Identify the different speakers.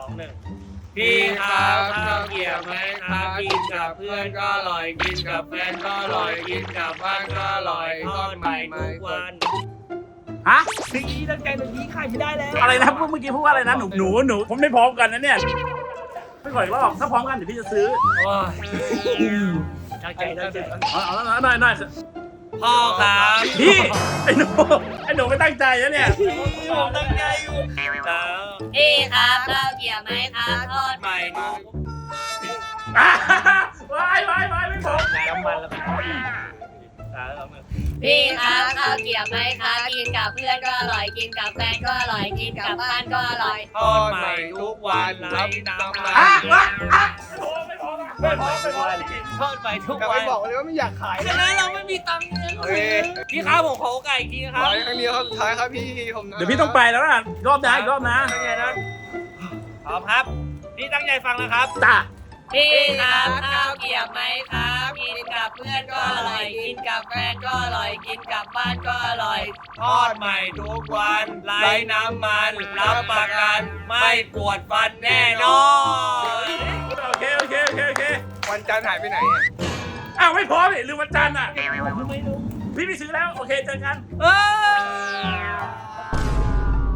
Speaker 1: 1พี่ครับข้าวเกรี๊ยวไหมครับกินกับเพื่อนก็อร่อยกินกับแฟนก็อร่อยกินกับบ้านก็อร่อยทอดใหม่ทุกวัน
Speaker 2: ฮะ
Speaker 1: พี่ตั้งใจตรงนี้ขายไม่ได้แล้ว
Speaker 2: อะไรนะเมื่อกี้พูดว่าอะไรนะหนูผมไม่พร้อมกันนะเนี่ยไม่ขออีกรอบถ้าพร้อมกันเดี๋ยวพี่จะซื้อ
Speaker 1: โอ้ยตั้งใจตั้งใจ
Speaker 2: เอาแล้วหน่อย
Speaker 1: พ่อครับ
Speaker 2: พี่ไอ้หนูไม่ตั้งใจนะเนี่ย
Speaker 1: ผมตั้งใจอยู่แล้ว
Speaker 3: พี่ครับข้าวเกรี๊ยวไหมครับทอด
Speaker 1: ใหม่ทุก
Speaker 2: วายไม่พร้อม
Speaker 1: น้ำมันแล้วแล้ว
Speaker 3: พี่ครับข้าวเกรี๊ยวไหมครับกินกับเพื่อนก็อร่อยกินกับแฟนก็อร่อยกินกับบ้านก็อร่อย
Speaker 1: ทอดใหม่ทุกวันไร้น้ำมัน
Speaker 2: ไม่พร้อม
Speaker 1: ทอดใหม่ทุก
Speaker 4: ก็
Speaker 1: วั
Speaker 4: ไม่
Speaker 1: น
Speaker 4: บอกเลยว่าไม่อยากขาย
Speaker 1: ฉะนั้นเราไม่มีตังค์เงินพี่ครับผมขอโอกาสอีกทีครับ
Speaker 4: ขายครั้งเดียวครับสุดท้ายครับพี่ผมนะ
Speaker 2: เดี๋ยวพี่ต้องไปแล้วนะรอบนะอีกรอบนะ
Speaker 1: ตั้งใจนะพร้อมครับพี่ตั้งใจฟังนะครับ
Speaker 2: จ้า
Speaker 3: พี่ครับข้าวเกรี๊ยวไหมครับกินกับเพื่อนก็อร่อยกินกับแฟนก็อร่อยกินกับบ้านก็อร่อย
Speaker 1: ทอดใหม่ทุกวันไร้น้ำมันรับประกันไม่ปวดฟันแน่นอน
Speaker 2: โอเค
Speaker 4: วันจันทร์หายไปไหนอ่ะ
Speaker 2: อ้าวไม่พร้อมเลยลืมวันจันทร์อ่ะพี่ไปซื้อแล้วโอเคเจอกัน
Speaker 1: เออ